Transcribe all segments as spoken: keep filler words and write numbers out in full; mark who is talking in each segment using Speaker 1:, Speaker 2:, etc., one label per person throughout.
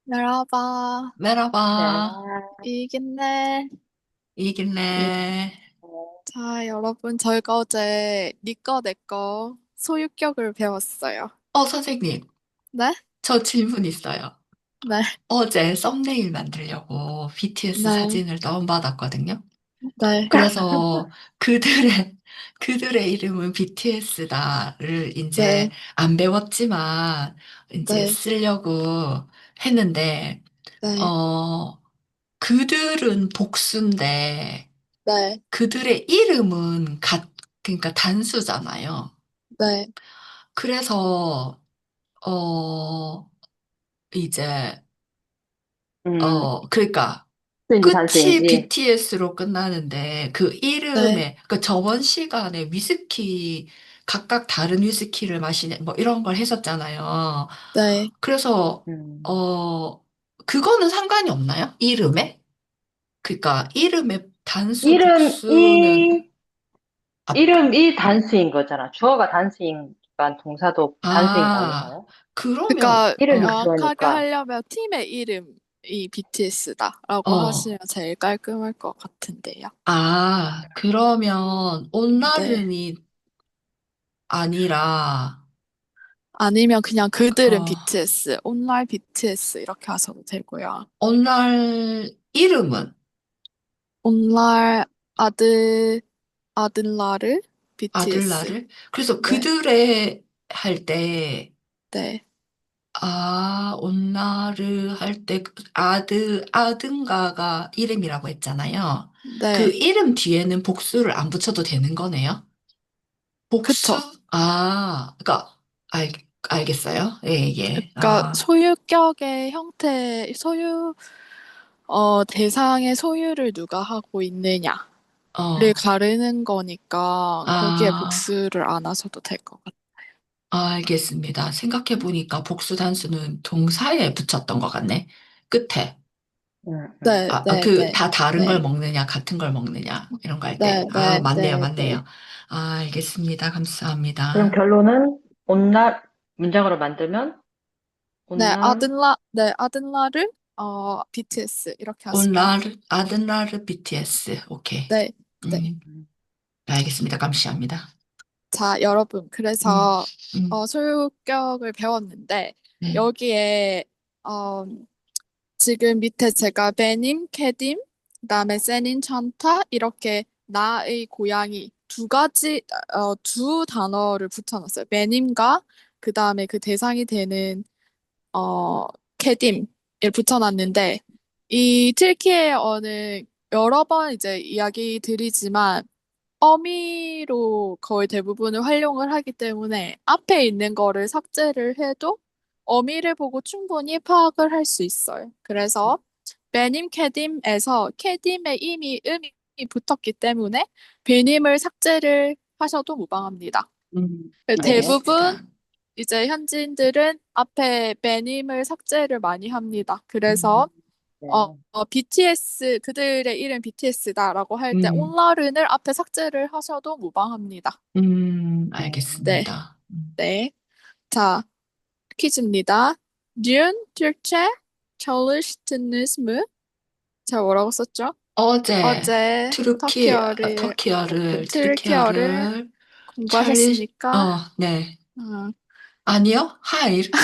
Speaker 1: Merhaba.
Speaker 2: Merhaba.
Speaker 3: 네.
Speaker 1: İyi günler.
Speaker 3: 이,
Speaker 2: 이길래.
Speaker 1: 자, 여러분, 저희가 어제 니꺼 내꺼 소유격을 배웠어요.
Speaker 2: 어, 선생님,
Speaker 1: 네?
Speaker 2: 저 질문 있어요.
Speaker 1: 네,
Speaker 2: 어제 썸네일 만들려고 비티에스
Speaker 1: 네,
Speaker 2: 사진을 다운받았거든요.
Speaker 1: 네,
Speaker 2: 그래서 그들의, 그들의 이름은 비티에스다를 이제
Speaker 1: 네,
Speaker 2: 안 배웠지만 이제
Speaker 1: 네,
Speaker 2: 쓰려고 했는데,
Speaker 1: 네,
Speaker 2: 어, 그들은 복수인데
Speaker 1: 네,
Speaker 2: 그들의 이름은 가, 그러니까 단수잖아요.
Speaker 1: 네,
Speaker 2: 그래서, 어, 이제,
Speaker 3: 음,
Speaker 2: 어, 그러니까,
Speaker 3: 수인지
Speaker 2: 끝이
Speaker 3: 단수인지.
Speaker 2: 비티에스로 끝나는데, 그
Speaker 1: 네,
Speaker 2: 이름에, 그 저번 시간에 위스키, 각각 다른 위스키를 마시는, 뭐 이런 걸 했었잖아요.
Speaker 1: 네.
Speaker 2: 그래서,
Speaker 3: 음.
Speaker 2: 어, 그거는 상관이 없나요? 이름에? 그러니까, 이름의 단수,
Speaker 3: 이름,
Speaker 2: 복수는,
Speaker 3: 이,
Speaker 2: 아,
Speaker 3: 이름, 이 단수인 거잖아. 주어가 단수니까 동사도 단수인 거
Speaker 2: 아,
Speaker 3: 아닌가요?
Speaker 2: 그러면,
Speaker 1: 그러니까
Speaker 3: 이름이
Speaker 2: 어,
Speaker 1: 정확하게
Speaker 3: 주어니까.
Speaker 1: 하려면 팀의 이름이 비티에스다라고
Speaker 2: 어,
Speaker 1: 하시면 제일 깔끔할 것 같은데요.
Speaker 2: 아, 그러면,
Speaker 1: 네.
Speaker 2: 온나른이 아니라,
Speaker 1: 아니면 그냥 그들은
Speaker 2: 어,
Speaker 1: 비티에스, 온라인 비티에스 이렇게 하셔도 되고요.
Speaker 2: 온날 이름은
Speaker 1: 온라인 아들, 아들라르 비티에스.
Speaker 2: 아들날을? 그래서
Speaker 1: 네,
Speaker 2: 그들의 할 때,
Speaker 1: 네,
Speaker 2: 아, 온나르 할 때, 그 아드, 아든가가 이름이라고 했잖아요. 그
Speaker 1: 네.
Speaker 2: 이름 뒤에는 복수를 안 붙여도 되는 거네요? 복수?
Speaker 1: 그쵸.
Speaker 2: 아, 그니까, 알, 알겠어요? 예, 예.
Speaker 1: 그러니까
Speaker 2: 아,
Speaker 1: 소유격의 형태, 소유, 어, 대상의 소유를 누가 하고 있느냐를
Speaker 2: 어,
Speaker 1: 가르는 거니까 거기에
Speaker 2: 아,
Speaker 1: 복수를 안 하셔도 될 것 같아요.
Speaker 2: 알겠습니다. 생각해보니까 복수 단수는 동사에 붙였던 것 같네. 끝에.
Speaker 3: 음, 음.
Speaker 1: 네,
Speaker 2: 아, 아,
Speaker 1: 네,
Speaker 2: 그,
Speaker 1: 네,
Speaker 2: 다 다른 걸
Speaker 1: 네,
Speaker 2: 먹느냐, 같은 걸 먹느냐, 이런 거 할 때.
Speaker 1: 네,
Speaker 2: 아,
Speaker 1: 네,
Speaker 2: 맞네요,
Speaker 1: 네, 네.
Speaker 2: 맞네요. 아, 알겠습니다.
Speaker 3: 그럼
Speaker 2: 감사합니다.
Speaker 3: 결론은 온날, 문장으로 만들면
Speaker 1: 네,
Speaker 3: 온날,
Speaker 1: 아들라, 네, 아들라를 어, 비티에스 이렇게 하시면 돼요.
Speaker 2: 온라르, 아든라르 비티에스. 오케이.
Speaker 1: 네, 네.
Speaker 2: 음,
Speaker 3: 음,
Speaker 2: 알겠습니다. 감사합니다.
Speaker 1: 자, 여러분,
Speaker 2: 음,
Speaker 1: 그래서
Speaker 2: 음,
Speaker 1: 어, 소유격을 배웠는데
Speaker 2: 네,
Speaker 1: 여기에 어, 지금 밑에 제가 베님, 캐딤, 그다음에 세닌, 찬타 이렇게 나의 고양이 두 가지 어, 두 단어를 붙여놨어요. 베님과 그다음에 그 대상이 되는 어, 캐딤을 붙여놨는데, 이 틸키예어는 여러 번 이제 이야기 드리지만, 어미로 거의 대부분을 활용을 하기 때문에, 앞에 있는 거를 삭제를 해도 어미를 보고 충분히 파악을 할 수 있어요. 그래서, 베님 캐딤에서 캐딤에 이미 음이 붙었기 때문에, 베님을 삭제를 하셔도 무방합니다.
Speaker 2: 음,
Speaker 3: 네.
Speaker 1: 대부분
Speaker 2: 알겠습니다.
Speaker 1: 이제 현지인들은 앞에 매님을 삭제를 많이 합니다.
Speaker 2: 음,
Speaker 1: 그래서 어,
Speaker 3: 네.
Speaker 1: 어, 비티에스 그들의 이름 비티에스다라고 할 때
Speaker 2: 음,
Speaker 1: 온라른을 앞에 삭제를 하셔도 무방합니다.
Speaker 2: 음,
Speaker 1: 네,
Speaker 2: 알겠습니다. 음.
Speaker 1: 네. 자, 퀴즈입니다. Dün Türkçe çalıştınız mı? 자, 뭐라고 썼죠?
Speaker 2: 어제
Speaker 1: 어제
Speaker 2: 트루키, 아,
Speaker 1: 터키어를 그
Speaker 2: 터키어를,
Speaker 1: 튀르키어를
Speaker 2: 트르키어를 찰리,
Speaker 1: 공부하셨습니까?
Speaker 2: 어, 네.
Speaker 1: 음.
Speaker 2: 아니요? 하일.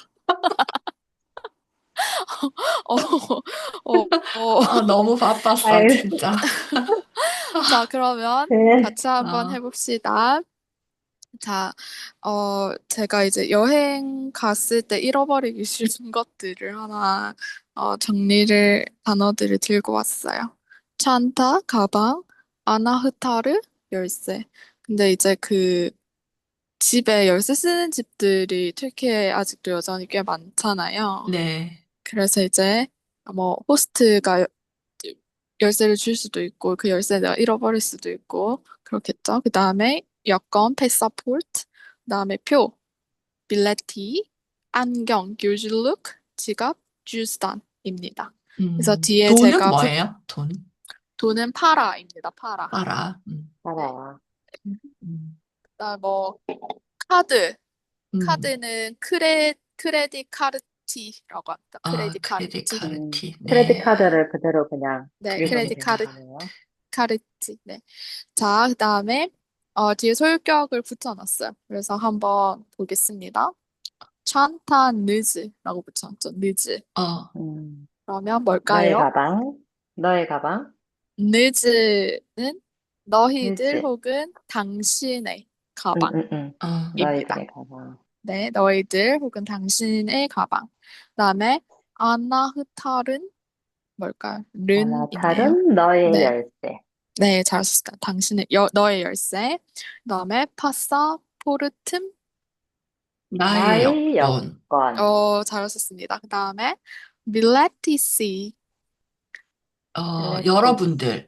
Speaker 1: 어, 어, 어.
Speaker 2: 아, 너무 바빴어,
Speaker 3: 아유,
Speaker 2: 진짜.
Speaker 1: 자, 그러면
Speaker 3: 네.
Speaker 1: 같이 한번
Speaker 2: 아,
Speaker 1: 해봅시다. 자, 어, 제가 이제 여행 갔을 때 잃어버리기 쉬운 것들을 하나, 어, 정리를, 단어들을 들고 왔어요. 찬타, 가방, 아나흐타르, 열쇠. 근데 이제 그 집에 열쇠 쓰는 집들이 튀르키예에 아직도 여전히 꽤 많잖아요.
Speaker 2: 네.
Speaker 1: 그래서 이제 뭐 호스트가 열쇠를 줄 수도 있고 그 열쇠 내가 잃어버릴 수도 있고 그렇겠죠. 그 다음에 여권, 패사포트, 그 다음에 표, 빌레티, 안경, 귤줄룩, 지갑, 주스단입니다. 그래서
Speaker 2: 음,
Speaker 1: 뒤에
Speaker 2: 돈은
Speaker 1: 제가 붙
Speaker 2: 뭐예요? 돈?
Speaker 1: 돈은 파라입니다. 파라.
Speaker 2: 알아. 음,
Speaker 1: 네.
Speaker 3: 알아.
Speaker 2: 음,
Speaker 1: 그다음 뭐 카드,
Speaker 2: 음,
Speaker 1: 카드는 크레 크레딧 카르트 카르티라고 합니다.
Speaker 2: 아,
Speaker 1: 크레딧
Speaker 2: 크레딧
Speaker 1: 카르티.
Speaker 3: 음,
Speaker 2: 카르티.
Speaker 3: 크레딧
Speaker 2: 네.
Speaker 3: 카드를 그대로 그냥
Speaker 1: 네,
Speaker 3: 읽으면
Speaker 1: 크레딧
Speaker 3: 되는
Speaker 1: 카르
Speaker 3: 거네요.
Speaker 1: 카르티. 네. 자, 그다음에 어, 뒤에 소유격을 붙여놨어요. 그래서 한번 보겠습니다. 찬타 느즈라고 붙여놨죠. 느즈.
Speaker 2: 어,
Speaker 3: 음,
Speaker 1: 그러면
Speaker 3: 너의
Speaker 1: 뭘까요?
Speaker 3: 가방, 너의 가방,
Speaker 1: 느즈는 너희들
Speaker 3: 뉴즈.
Speaker 1: 혹은 당신의
Speaker 3: 응, 응, 응.
Speaker 2: 어,
Speaker 1: 가방입니다.
Speaker 3: 너희들의 가방.
Speaker 1: 네, 너희들 혹은 당신의 가방. 그다음에 아나흐탈은 뭘까요? 른 있네요.
Speaker 3: 아나탈은 너의
Speaker 1: 네,
Speaker 3: 열쇠.
Speaker 1: 네, 잘하셨습니다. 당신의 여, 너의 열쇠. 그다음에 파사포르툼.
Speaker 2: 나의
Speaker 3: 나의
Speaker 2: 여권.
Speaker 3: 여권.
Speaker 1: 어, 잘하셨습니다. 그다음에 밀레티시.
Speaker 2: 어,
Speaker 3: 텔레티시.
Speaker 2: 여러분들,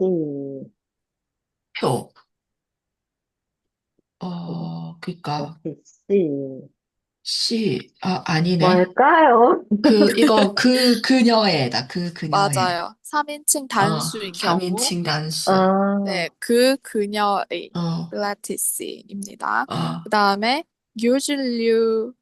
Speaker 2: 표. 어, 그니까,
Speaker 3: 텔레티시.
Speaker 2: 시, 아, 아니네.
Speaker 3: 뭘까요?
Speaker 2: 그, 이거, 그, 그녀애다. 그, 그녀애.
Speaker 1: 맞아요. 삼인칭
Speaker 2: 어,
Speaker 1: 단수인 경우.
Speaker 2: 삼인칭 단수.
Speaker 3: 아,
Speaker 1: 네, 그 그녀의
Speaker 2: 어,
Speaker 1: 필라테스입니다.
Speaker 2: 어.
Speaker 1: 그 다음에 유즐류음,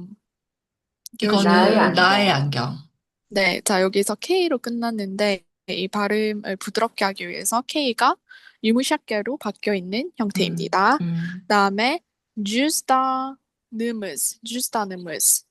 Speaker 3: 나의
Speaker 2: 이거는
Speaker 1: 유즐류음.
Speaker 2: 나의
Speaker 3: 안경.
Speaker 2: 안경.
Speaker 1: 네, 자 여기서 K로 끝났는데 이 발음을 부드럽게 하기 위해서 K가 유무샷게로 바뀌어 있는
Speaker 2: 음,
Speaker 1: 형태입니다. 그
Speaker 2: 음.
Speaker 1: 다음에 주스다느무스, 주스다느무스.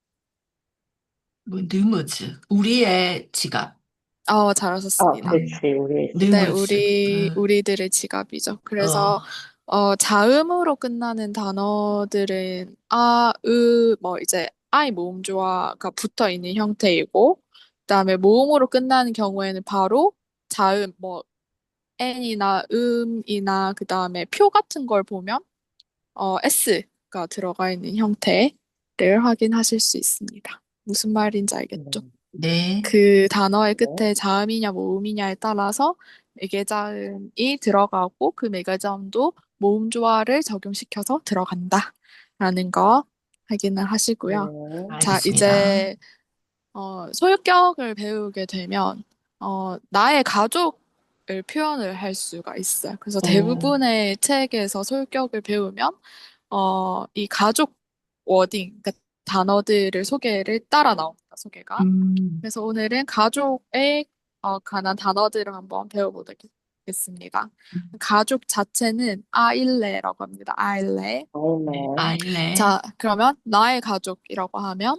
Speaker 2: 뭐, 느무즈. 우리의 지갑.
Speaker 1: 어,
Speaker 3: 어,
Speaker 1: 잘하셨습니다.
Speaker 2: 음,
Speaker 3: 그치, 우리
Speaker 1: 네,
Speaker 3: 지갑.
Speaker 2: 느무즈.
Speaker 1: 우리
Speaker 2: 어,
Speaker 1: 우리들의 지갑이죠.
Speaker 2: 어,
Speaker 1: 그래서 어, 자음으로 끝나는 단어들은 아, 으, 뭐 이제 아이 모음조화가 붙어 있는 형태이고, 그다음에 모음으로 끝나는 경우에는 바로 자음, 뭐 n이나 음이나 그다음에 표 같은 걸 보면 어, s가 들어가 있는 형태를 확인하실 수 있습니다. 무슨 말인지 알겠죠?
Speaker 3: 네.
Speaker 2: 네.
Speaker 1: 그 단어의
Speaker 3: 네.
Speaker 1: 끝에 자음이냐 모음이냐에 따라서 매개자음이 들어가고 그 매개자음도 모음 조화를 적용시켜서 들어간다라는 거 확인을 하시고요.
Speaker 3: 네.
Speaker 1: 자,
Speaker 2: 알겠습니다.
Speaker 1: 이제 어, 소유격을 배우게 되면 어, 나의 가족을 표현을 할 수가 있어요. 그래서
Speaker 2: 오,
Speaker 1: 대부분의 책에서 소유격을 배우면 어, 이 가족 워딩, 그러니까 단어들을 소개를 따라 나옵니다. 소개가.
Speaker 2: 음,
Speaker 1: 그래서 오늘은 가족에 어, 관한 단어들을 한번 배워보겠습니다. 가족 자체는 아일레라고 합니다. 아일레.
Speaker 2: 네.
Speaker 3: 아이네.
Speaker 2: 아일레.
Speaker 1: 자, 그러면 나의 가족이라고 하면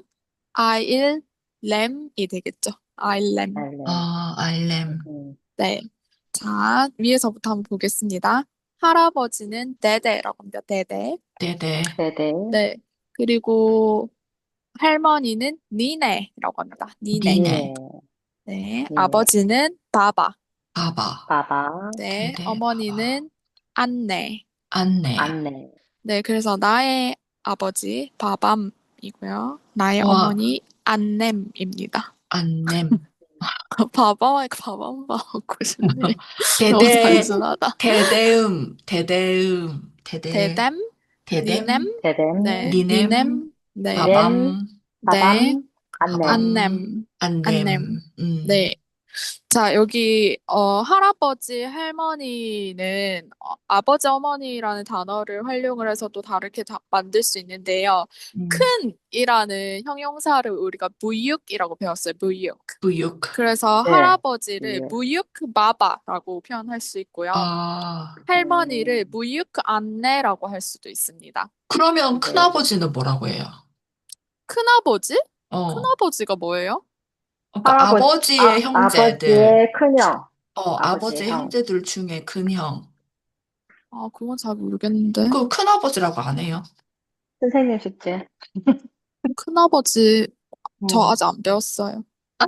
Speaker 1: 아일렘이 되겠죠. 아일렘.
Speaker 2: 어,
Speaker 3: 아이네.
Speaker 2: 아일렘.
Speaker 3: 음,
Speaker 1: 네. 자, 위에서부터 한번 보겠습니다. 할아버지는 데데라고 합니다. 데데.
Speaker 2: 네네.
Speaker 3: 네네.
Speaker 1: 네. 그리고 할머니는 니네라고 합니다. 니네.
Speaker 2: 니네.
Speaker 3: 니네.
Speaker 1: 네.
Speaker 3: 니네.
Speaker 1: 아버지는 바바.
Speaker 2: 바바.
Speaker 3: 바바.
Speaker 1: 네,
Speaker 2: 대대, 바바.
Speaker 1: 어머니는 안내.
Speaker 2: 안내.
Speaker 3: 안내.
Speaker 1: 네, 그래서 나의 아버지 바밤이고요. 나의
Speaker 2: 와,
Speaker 1: 어머니 안냄입니다.
Speaker 2: 안냄.
Speaker 1: 바바와 바밤 바고 싶네. 너무
Speaker 2: 대대,
Speaker 1: 단순하다.
Speaker 2: 대대음, 대대음, 대대,
Speaker 1: 대댐, 니넴,
Speaker 2: 대댐,
Speaker 1: 네,
Speaker 3: 대댐.
Speaker 2: 니넴,
Speaker 1: 니넴, 네,
Speaker 3: 님.
Speaker 2: 바밤,
Speaker 1: 네,
Speaker 3: 바밤. 안냄.
Speaker 2: 바밤,
Speaker 1: 안냄, 안냄.
Speaker 2: 안냄. 음,
Speaker 1: 네, 자, 여기, 어, 할아버지, 할머니는, 어, 아버지, 어머니라는 단어를 활용을 해서 또 다르게 다- 만들 수 있는데요.
Speaker 2: 음.
Speaker 1: 큰이라는 형용사를 우리가 무육이라고 배웠어요. 무육.
Speaker 2: 부육.
Speaker 1: 그래서
Speaker 3: 네.
Speaker 1: 할아버지를
Speaker 3: 예.
Speaker 1: 무육 바바라고 표현할 수 있고요.
Speaker 2: 아,
Speaker 1: 할머니를
Speaker 3: 음,
Speaker 1: 무육 안내라고 할 수도 있습니다.
Speaker 2: 그러면
Speaker 3: 네.
Speaker 2: 큰아버지는 뭐라고 해요?
Speaker 1: 큰아버지?
Speaker 2: 어,
Speaker 1: 큰아버지가 뭐예요?
Speaker 2: 그러니까
Speaker 3: 할아버지,
Speaker 2: 아버지의
Speaker 3: 아,
Speaker 2: 형제들,
Speaker 3: 아버지의 큰형.
Speaker 2: 어,
Speaker 3: 아버지의
Speaker 2: 아버지의
Speaker 3: 형.
Speaker 2: 형제들 중에 큰형.
Speaker 1: 아, 그건 잘 모르겠는데.
Speaker 2: 그 큰아버지라고 안 해요?
Speaker 3: 선생님 숙제.
Speaker 1: 큰아버지, 저
Speaker 2: 어,
Speaker 1: 아직 안 배웠어요.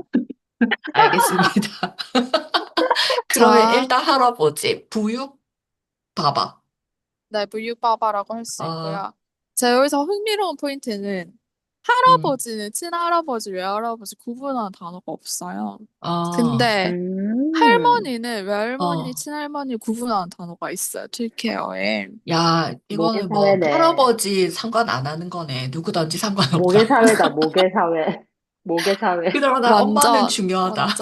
Speaker 2: 알겠습니다. 그러면
Speaker 1: 자,
Speaker 2: 일단 할아버지, 부육, 봐봐.
Speaker 1: 네, 물육바바라고 할 수
Speaker 2: 어,
Speaker 1: 있고요. 자, 여기서 흥미로운 포인트는
Speaker 2: 음,
Speaker 1: 할아버지는 친할아버지, 외할아버지 구분하는 단어가 없어요.
Speaker 2: 어,
Speaker 1: 근데
Speaker 3: 음,
Speaker 1: 할머니는 외할머니,
Speaker 2: 어.
Speaker 1: 친할머니 구분하는 단어가 있어요. 튀르키예어에.
Speaker 2: 야, 이거는 뭐
Speaker 3: 모계사회네.
Speaker 2: 할아버지 상관 안 하는 거네. 누구든지 상관없다.
Speaker 3: 모계사회다, 모계사회. 모계사회.
Speaker 2: 그러나 엄마는
Speaker 1: 완전,
Speaker 2: 중요하다.
Speaker 1: 완전.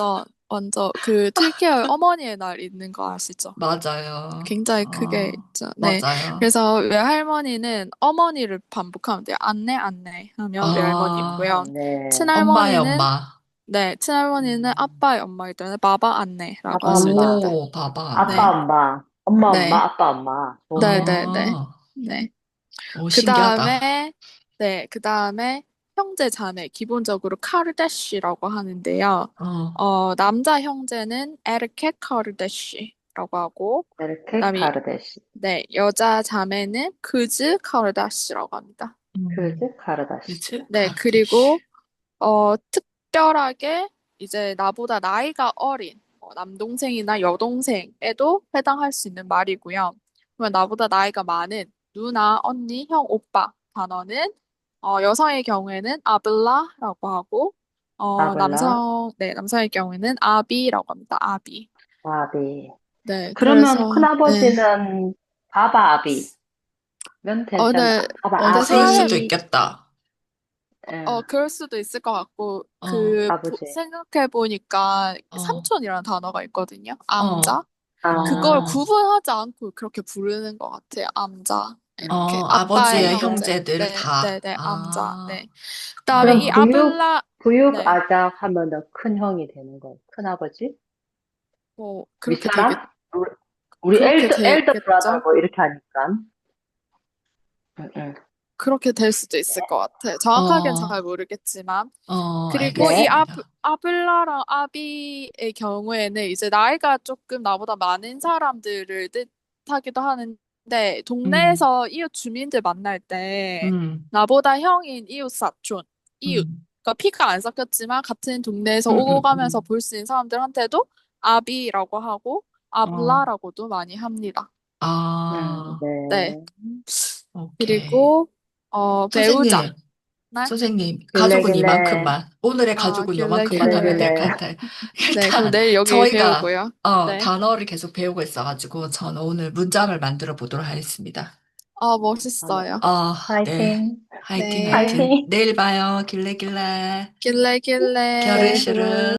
Speaker 1: 먼저 그 튀르키예의 어머니의 날 있는 거 아시죠?
Speaker 2: 맞아요.
Speaker 1: 굉장히 크게
Speaker 2: 어,
Speaker 1: 있죠. 네.
Speaker 2: 맞아요.
Speaker 1: 그래서 외할머니는 어머니를 반복하면 돼요. 안내, 안내 하면
Speaker 2: 아,
Speaker 1: 외할머니고요.
Speaker 3: 안내.
Speaker 2: 엄마의
Speaker 1: 친할머니는,
Speaker 2: 엄마.
Speaker 1: 네, 친할머니는
Speaker 3: 음,
Speaker 1: 아빠의 엄마이기 때문에 바바 안내라고
Speaker 3: 아빠,
Speaker 1: 하시면
Speaker 3: 엄마.
Speaker 1: 됩니다.
Speaker 2: 오, 봐봐,
Speaker 3: 아빠,
Speaker 1: 네,
Speaker 2: 네.
Speaker 3: 엄마. 엄마, 엄마,
Speaker 1: 네,
Speaker 3: 아빠, 엄마.
Speaker 1: 네,
Speaker 3: 좋네.
Speaker 1: 네, 네,
Speaker 2: 아,
Speaker 1: 네.
Speaker 2: 오,
Speaker 1: 그
Speaker 2: 신기하다.
Speaker 1: 다음에, 네, 그 다음에 형제 자매, 기본적으로 카르다시라고 하는데요.
Speaker 2: 어,
Speaker 1: 어, 남자 형제는 에르케 카르다시라고 하고,
Speaker 3: 이렇게
Speaker 1: 그다음에
Speaker 3: 카르다시.
Speaker 1: 네, 여자 자매는 크즈 카르다시라고 합니다.
Speaker 2: 음,
Speaker 3: 크즈 카르다시.
Speaker 2: 그치?
Speaker 1: 네,
Speaker 2: 카르다시.
Speaker 1: 그리고 어, 특별하게 이제 나보다 나이가 어린 어, 남동생이나 여동생에도 해당할 수 있는 말이고요. 그러면 나보다 나이가 많은 누나, 언니, 형, 오빠 단어는 어, 여성의 경우에는 아블라라고 하고 어,
Speaker 3: 아블라,
Speaker 1: 남성, 네, 남성의 경우에는 아비라고 합니다. 아비.
Speaker 3: 아비.
Speaker 1: 네,
Speaker 3: 그러면
Speaker 1: 그래서 네.
Speaker 3: 큰아버지는 바바 아비면
Speaker 1: 어,
Speaker 3: 되잖아.
Speaker 1: 네,
Speaker 3: 바바
Speaker 1: 네,
Speaker 2: 어, 그럴 수도
Speaker 1: 사실
Speaker 3: 아비.
Speaker 2: 있겠다.
Speaker 1: 어,
Speaker 3: 예,
Speaker 1: 그럴 수도 있을 것 같고,
Speaker 2: 어,
Speaker 1: 그,
Speaker 3: 아버지.
Speaker 1: 생각해보니까
Speaker 2: 어,
Speaker 1: 삼촌이라는 단어가 있거든요.
Speaker 2: 어,
Speaker 1: 암자. 그걸
Speaker 3: 아,
Speaker 2: 어,
Speaker 1: 구분하지 않고 그렇게 부르는 것 같아요. 암자.
Speaker 2: 어,
Speaker 1: 이렇게. 아빠의
Speaker 2: 아버지의
Speaker 1: 형제.
Speaker 2: 형제들
Speaker 1: 네, 네,
Speaker 2: 다.
Speaker 1: 네, 암자.
Speaker 2: 아,
Speaker 1: 네. 그다음에 이
Speaker 3: 그럼
Speaker 2: 어,
Speaker 3: 부육,
Speaker 1: 아블라,
Speaker 3: 부육
Speaker 1: 네.
Speaker 3: 아작 하면은 큰 형이 되는 거예요. 큰 아버지?
Speaker 1: 뭐, 그렇게 되겠,
Speaker 3: 윗사람? 우리, 우리
Speaker 1: 그렇게
Speaker 3: 엘더, 엘더 브라더
Speaker 1: 되겠죠?
Speaker 3: 뭐 이렇게 하니까. 응, 응.
Speaker 1: 그렇게 될 수도 있을 것 같아요. 정확하게는
Speaker 2: 어,
Speaker 1: 잘 모르겠지만.
Speaker 2: 어,
Speaker 1: 그리고 이 아,
Speaker 3: 네.
Speaker 2: 알겠습니다.
Speaker 1: 아블라랑 아비의 경우에는 이제 나이가 조금 나보다 많은 사람들을 뜻하기도 하는데
Speaker 2: 음,
Speaker 1: 동네에서 이웃 주민들 만날 때
Speaker 2: 음,
Speaker 1: 나보다 형인 이웃 사촌, 이웃,
Speaker 2: 음,
Speaker 1: 그러니까 피가 안 섞였지만 같은 동네에서
Speaker 3: 응,
Speaker 1: 오고
Speaker 3: 응,
Speaker 1: 가면서
Speaker 2: 음,
Speaker 1: 볼 수 있는 사람들한테도 아비라고 하고
Speaker 2: 어,
Speaker 1: 아블라라고도 많이 합니다.
Speaker 3: 응,
Speaker 2: 아,
Speaker 1: 네.
Speaker 3: 네.
Speaker 2: 오케이.
Speaker 1: 그리고 어 배우자.
Speaker 2: 선생님,
Speaker 1: 네.
Speaker 2: 선생님, 가족은
Speaker 3: 길래길래,
Speaker 2: 이만큼만. 오늘의
Speaker 1: 아,
Speaker 2: 가족은
Speaker 1: 길래
Speaker 2: 요만큼만 하면 될
Speaker 1: 길래.
Speaker 2: 것
Speaker 3: 길래길래.
Speaker 2: 같아요.
Speaker 1: 네, 그럼
Speaker 2: 일단,
Speaker 1: 내일 여기
Speaker 2: 저희가,
Speaker 1: 배우고요.
Speaker 2: 어,
Speaker 1: 네.
Speaker 2: 단어를 계속 배우고 있어가지고, 저는 오늘 문장을 만들어 보도록 하겠습니다.
Speaker 1: 아,
Speaker 3: 아,
Speaker 1: 멋있어요.
Speaker 2: 어, 네.
Speaker 3: 파이팅,
Speaker 2: 화이팅,
Speaker 1: 네.
Speaker 2: 화이팅.
Speaker 3: 파이팅.
Speaker 2: 내일 봐요. 길래길래.
Speaker 1: 길래 길래.
Speaker 2: 겨르시르.
Speaker 3: 게르시르.